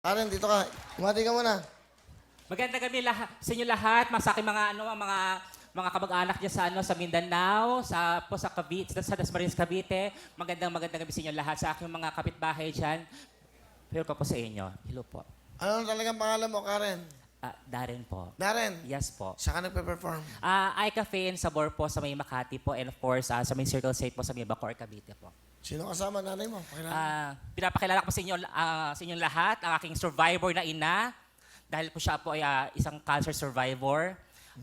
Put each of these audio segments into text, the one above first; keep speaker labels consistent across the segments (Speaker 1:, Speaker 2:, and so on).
Speaker 1: Karen, dito ka. Umati ka muna.
Speaker 2: Magandang gabi sa inyo lahat, sa aking mga kamag-anak diyan sa sa Mindanao, sa Cavite, sa Dasmariñas, Cavite. Magandang gabi sa inyo lahat, sa aking mga kapitbahay diyan. Hello po sa inyo. Hello po.
Speaker 1: Ano talagang pangalan mo, Karen?
Speaker 2: Darren po.
Speaker 1: Darren.
Speaker 2: Yes po.
Speaker 1: Saan ka nagpe-perform?
Speaker 2: iCafe and Sabor po sa may Makati po, and of course sa may Circle State po sa may Bacoor, Cavite po.
Speaker 1: Sino kasama nanay mo? Pakilala.
Speaker 2: Pinapakilala ko sa inyong lahat ang aking survivor na ina. Dahil po siya po ay isang cancer survivor.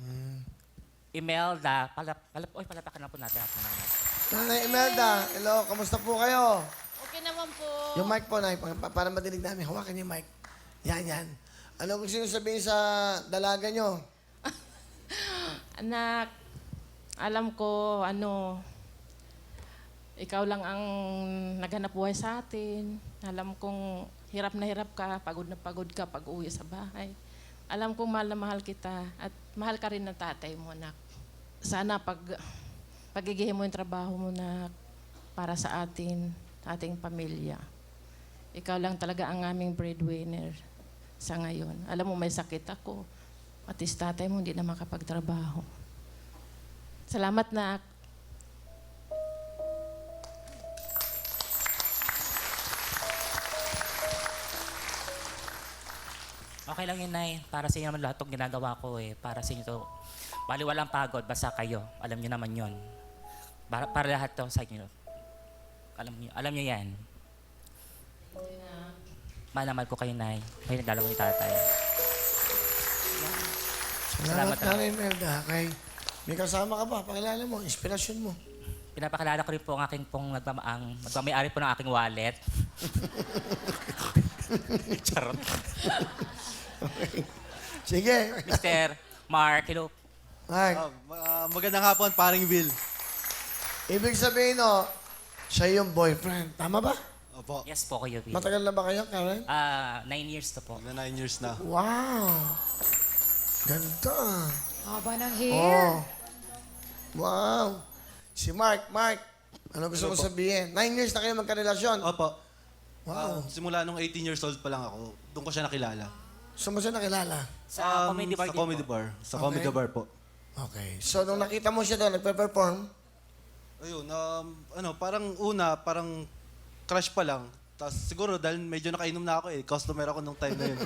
Speaker 2: Imelda, palapakan na po natin.
Speaker 1: Nanay Imelda, hello, kamusta po kayo?
Speaker 3: Okay naman po.
Speaker 1: Yung mic po, Nay, para madinig namin. Hawakan yung mic. Yan. Ano gusto nyo sabihin sa dalaga nyo?
Speaker 3: Anak, alam ko, ikaw lang ang naghanap buhay sa atin. Alam kong hirap ka, pagod na pagod ka pag uwi sa bahay. Alam kong mahal na mahal kita at mahal ka rin ng tatay mo, anak. Sana pagigihin mo yung trabaho mo na para sa ating pamilya. Ikaw lang talaga ang aming breadwinner sa ngayon. Alam mo, may sakit ako. At tatay mo hindi na makapagtrabaho. Salamat, nak.
Speaker 2: Okay lang yun, Nay. Para sa inyo naman lahat itong ginagawa ko eh. Para sa inyo to. Bali walang pagod, basta kayo. Alam niyo naman yun. Para lahat to sa inyo. Alam niyo yan. Mahal na mahal ko kayo, Nay. May nagdalaw ni tatay.
Speaker 1: Salamat,
Speaker 2: Salamat,
Speaker 1: Nanay Imelda. Kay, may kasama ka ba? Pakilala mo, inspirasyon mo.
Speaker 2: Pinapakilala ko rin po ang aking magmamayari po ng aking wallet. Charot.
Speaker 1: Sige.
Speaker 2: Mr. Mark, hello.
Speaker 1: Mark,
Speaker 4: Magandang hapon, paring Bill.
Speaker 1: ibig sabihin, siya yung boyfriend. Tama ba?
Speaker 4: Opo,
Speaker 2: Yes po kayo, Bill.
Speaker 1: Matagal na ba kayo, Karen?
Speaker 2: 9 years to po.
Speaker 4: na 9 years na.
Speaker 1: Wow! Ganda.
Speaker 5: Haba ng hair.
Speaker 1: Oh. Wow. Si Mark, ano gusto mo sabihin? 9 years na kayo magkarelasyon.
Speaker 4: Opo.
Speaker 1: Wow.
Speaker 4: Simula nung 18 years old pa lang ako, doon ko siya nakilala.
Speaker 1: Saan mo siya nakilala?
Speaker 2: Sa comedy bar
Speaker 4: Sa
Speaker 2: din
Speaker 4: comedy
Speaker 2: po.
Speaker 4: bar. Sa
Speaker 1: Okay.
Speaker 4: comedy bar po.
Speaker 1: Okay. So, nung nakita mo siya doon, nagpe-perform,
Speaker 4: Ayun, parang crush pa lang. Tapos siguro dahil medyo nakainom na ako customer ako nung time na yun.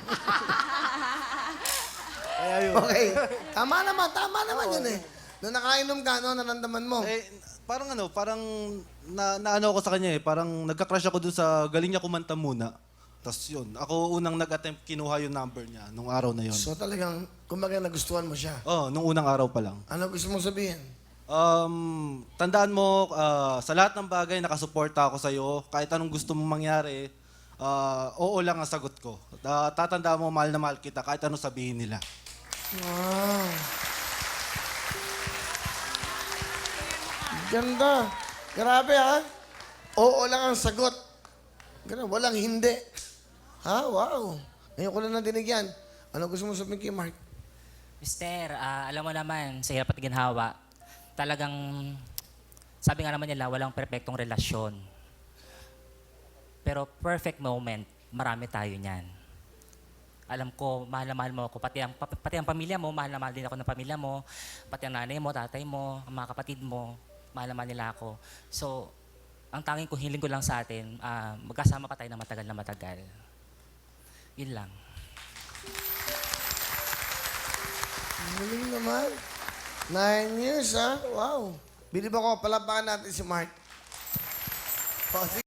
Speaker 4: Kaya yun.
Speaker 1: okay. Tama naman yun eh. Nung nakainom ka, naramdaman mo?
Speaker 4: Parang naano ako sa kanya parang nagka-crush ako dun sa galing niya kumanta muna. Tapos yun, ako unang nag-attempt kinuha yung number niya nung araw na yun.
Speaker 1: So, talagang, kumbaga, nagustuhan mo siya.
Speaker 4: Nung unang araw pa lang.
Speaker 1: Ano gusto mong sabihin?
Speaker 4: Tandaan mo, sa lahat ng bagay, nakasuporta ako sa'yo. Kahit anong gusto mong mangyari, oo lang ang sagot ko. Tatandaan mo, mahal na mahal kita, kahit anong sabihin nila.
Speaker 1: Wow. Ganda. Grabe, ha? Oo lang ang sagot. Ganun, walang hindi. Ha? Wow. Ngayon ko lang nadinig yan. Ano gusto mo sabihin kay Mark?
Speaker 2: Mister, alam mo naman, sa hirap at ginhawa, talagang, sabi nga naman nila, walang perfectong relasyon. Pero perfect moment, marami tayo niyan. Alam ko, mahal na mahal mo ako. Pati ang pamilya mo, mahal na mahal din ako ng pamilya mo. Pati ang nanay mo, tatay mo, ang mga kapatid mo, mahal na mahal nila ako. So, ang tanging ko, hiling ko lang sa atin, magkasama pa tayo na matagal. Yun lang.
Speaker 1: Ang galing naman. 9 years, ha? Wow. Bilib ako, palabakan natin si Mark. O, sige.